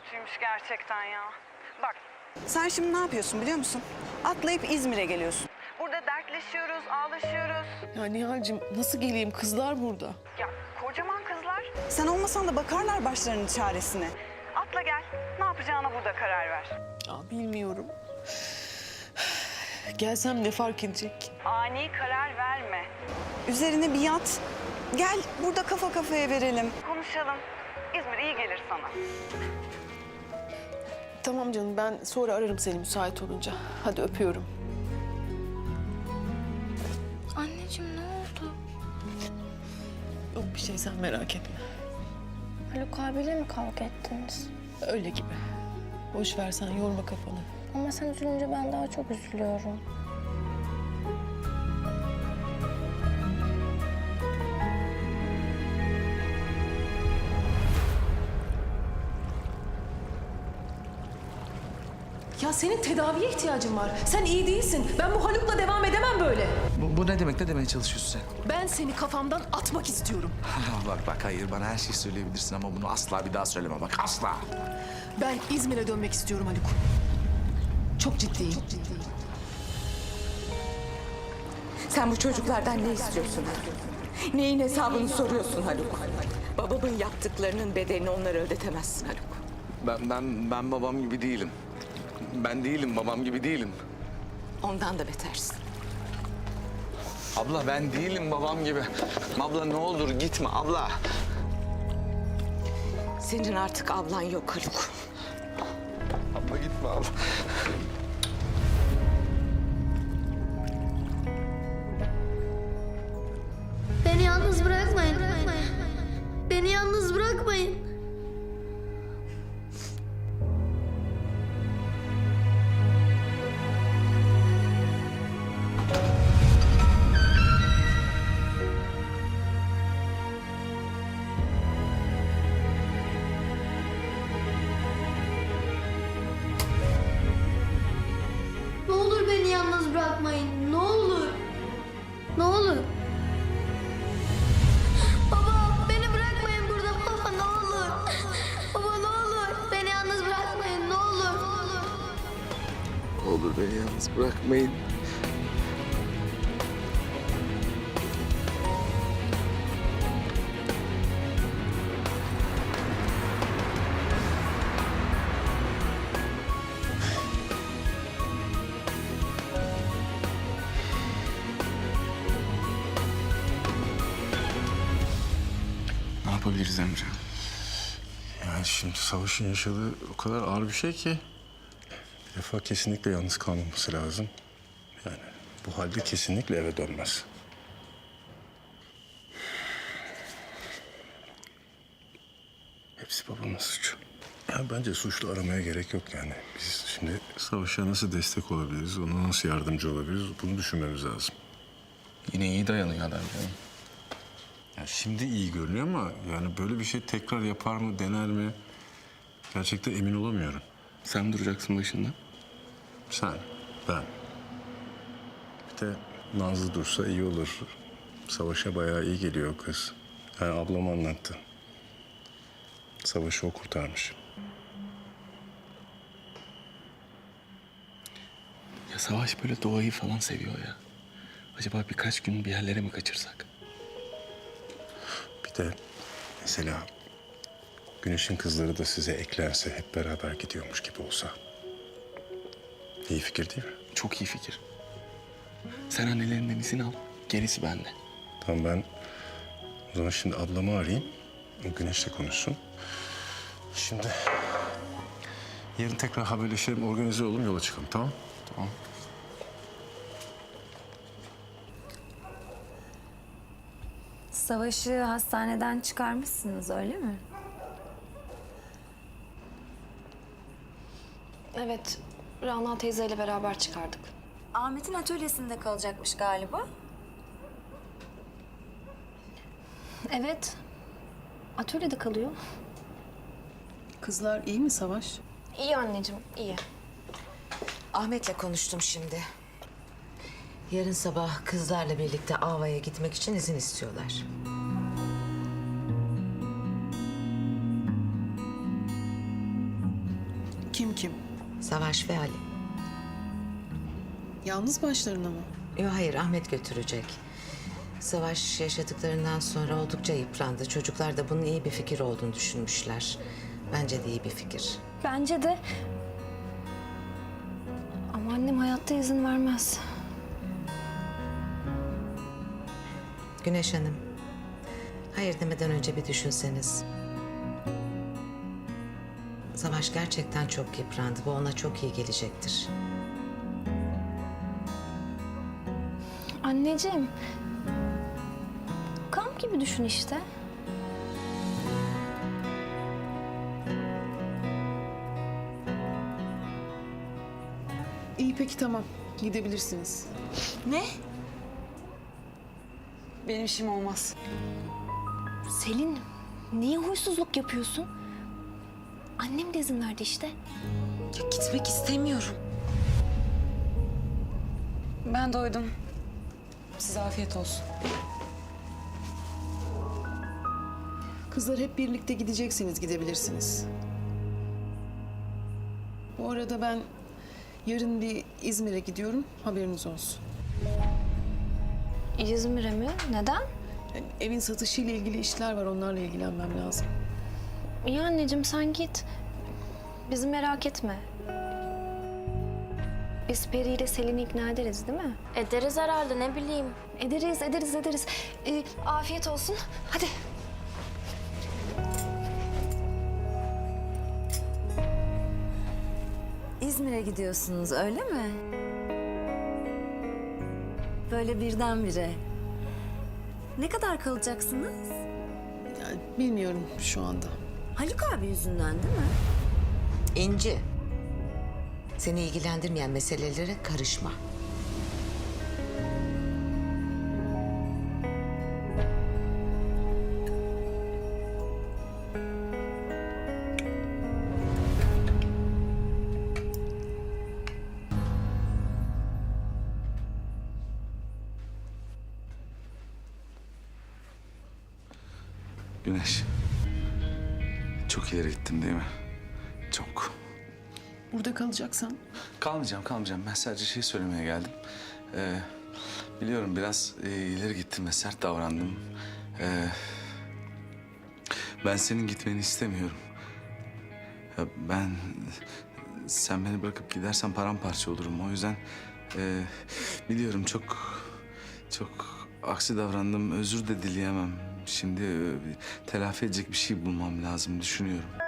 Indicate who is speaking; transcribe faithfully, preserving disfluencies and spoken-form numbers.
Speaker 1: kötüymüş gerçekten ya. Bak,
Speaker 2: Sen şimdi ne yapıyorsun biliyor musun? Atlayıp İzmir'e geliyorsun.
Speaker 1: burada dertleşiyoruz, ağlaşıyoruz.
Speaker 3: Ya Nihal'cim nasıl geleyim? Kızlar burada.
Speaker 1: Ya kocaman kızlar.
Speaker 2: Sen olmasan da bakarlar başlarının çaresine.
Speaker 1: Atla gel. Ne yapacağına burada karar ver.
Speaker 3: Ya bilmiyorum. Gelsem ne fark edecek?
Speaker 1: Ani karar verme.
Speaker 2: Üzerine bir yat. Gel burada kafa kafaya verelim.
Speaker 1: Konuşalım. İzmir iyi gelir sana.
Speaker 3: Tamam canım, ben sonra ararım seni müsait olunca. Hadi öpüyorum.
Speaker 4: Anneciğim ne oldu?
Speaker 3: Yok bir şey, sen merak etme.
Speaker 4: Haluk abiyle mi kavga ettiniz?
Speaker 3: Öyle gibi. Boş ver, sen yorma kafanı.
Speaker 4: Ama sen üzülünce ben daha çok üzülüyorum.
Speaker 5: Ya senin tedaviye ihtiyacın var. Sen iyi değilsin. Ben bu Haluk'la devam edemem böyle.
Speaker 6: Bu, bu ne demek? Ne demeye çalışıyorsun sen?
Speaker 5: Ben seni kafamdan atmak istiyorum.
Speaker 6: bak bak hayır bana her şeyi söyleyebilirsin ama bunu asla bir daha söyleme bak asla.
Speaker 5: Ben İzmir'e dönmek istiyorum Haluk. Çok ciddiyim. Çok ciddiyim.
Speaker 7: Sen bu çocuklardan ne istiyorsun Haluk? Neyin hesabını soruyorsun Haluk? Babamın yaptıklarının bedelini onlara ödetemezsin Haluk.
Speaker 6: Ben ben ben babam gibi değilim. Ben değilim babam gibi değilim.
Speaker 7: Ondan da betersin.
Speaker 6: Abla ben değilim babam gibi. Abla ne olur gitme abla.
Speaker 7: Senin artık ablan yok Haluk.
Speaker 6: Abla gitme abla.
Speaker 4: Beni yalnız bırakmayın. Beni yalnız bırakmayın. Ne olur beni yalnız bırakmayın. Ne olur. Ne olur. Baba beni bırakmayın burada. Baba ne olur. Baba ne olur. Beni yalnız bırakmayın. Ne olur.
Speaker 6: Ne olur beni yalnız bırakmayın. Ne yapabiliriz Emre?
Speaker 8: Yani şimdi Savaş'ın yaşadığı o kadar ağır bir şey ki... ...bir defa kesinlikle yalnız kalmaması lazım. Yani bu halde kesinlikle eve dönmez. Hepsi babamın suçu. Yani bence suçlu aramaya gerek yok yani. Biz şimdi Savaş'a nasıl destek olabiliriz, ona nasıl yardımcı olabiliriz bunu düşünmemiz lazım.
Speaker 6: Yine iyi dayanıyor adam canım.
Speaker 8: Ya şimdi iyi görünüyor ama yani böyle bir şey tekrar yapar mı, dener mi? Gerçekten emin olamıyorum.
Speaker 6: Sen duracaksın başında.
Speaker 8: Sen, ben. Bir de Nazlı dursa iyi olur. Savaş'a bayağı iyi geliyor o kız. Yani ablam anlattı. Savaş'ı o kurtarmış.
Speaker 6: Ya Savaş böyle doğayı falan seviyor ya. Acaba birkaç gün bir yerlere mi kaçırsak?
Speaker 8: Bir de mesela Güneş'in kızları da size eklense, hep beraber gidiyormuş gibi olsa. İyi fikir değil mi?
Speaker 6: Çok iyi fikir. Sen annelerinden izin al. Gerisi bende.
Speaker 8: Tamam ben o zaman şimdi ablamı arayayım. O Güneş'le konuşsun. Şimdi yarın tekrar haberleşelim, organize olalım, yola çıkalım, tamam?
Speaker 6: Tamam.
Speaker 9: Savaşı hastaneden çıkarmışsınız öyle mi?
Speaker 10: Evet, Rana teyzeyle beraber çıkardık.
Speaker 9: Ahmet'in atölyesinde kalacakmış galiba.
Speaker 10: Evet, atölyede kalıyor.
Speaker 3: Kızlar iyi mi Savaş?
Speaker 10: İyi anneciğim, iyi.
Speaker 7: Ahmet'le konuştum şimdi. Yarın sabah kızlarla birlikte Ava'ya gitmek için izin istiyorlar.
Speaker 3: Kim kim?
Speaker 11: Savaş ve Ali.
Speaker 3: Yalnız başlarına mı?
Speaker 11: Yok hayır, Ahmet götürecek. Savaş yaşadıklarından sonra oldukça yıprandı. Çocuklar da bunun iyi bir fikir olduğunu düşünmüşler. Bence de iyi bir fikir.
Speaker 10: Bence de. Ama annem hayatta izin vermez.
Speaker 11: Güneş Hanım, hayır demeden önce bir düşünseniz. Savaş gerçekten çok yıprandı. Bu ona çok iyi gelecektir.
Speaker 10: Anneciğim. Kamp gibi düşün işte.
Speaker 3: İyi peki tamam. Gidebilirsiniz.
Speaker 2: Ne? Benim işim olmaz.
Speaker 10: Selin, niye huysuzluk yapıyorsun? Annem de izin verdi işte.
Speaker 2: Ya gitmek istemiyorum. Ben doydum. Size afiyet olsun.
Speaker 3: Kızlar hep birlikte gideceksiniz, gidebilirsiniz. Bu arada ben yarın bir İzmir'e gidiyorum, haberiniz olsun.
Speaker 10: İzmir'e mi? Neden?
Speaker 3: Yani evin satışıyla ilgili işler var, onlarla ilgilenmem lazım.
Speaker 10: İyi anneciğim sen git. Bizi merak etme. Biz Peri ile Selin'i ikna ederiz değil mi?
Speaker 4: Ederiz herhalde, ne bileyim.
Speaker 10: Ederiz, ederiz, ederiz. Ee, afiyet olsun. Hadi.
Speaker 9: İzmir'e gidiyorsunuz öyle mi? Böyle birdenbire. Ne kadar kalacaksınız?
Speaker 3: Yani bilmiyorum şu anda.
Speaker 9: Haluk abi yüzünden değil mi?
Speaker 11: İnci, seni ilgilendirmeyen meselelere karışma.
Speaker 6: Güneş. Çok ileri gittim değil mi? Çok.
Speaker 3: Burada kalacaksan
Speaker 6: Kalmayacağım, kalmayacağım. Ben sadece şey söylemeye geldim. Ee, biliyorum biraz e, ileri gittim ve sert davrandım. Ee, ben senin gitmeni istemiyorum. Ya ben... Sen beni bırakıp gidersen paramparça olurum. O yüzden e, biliyorum çok... Çok aksi davrandım. Özür de dileyemem. Şimdi e, telafi edecek bir şey bulmam lazım düşünüyorum.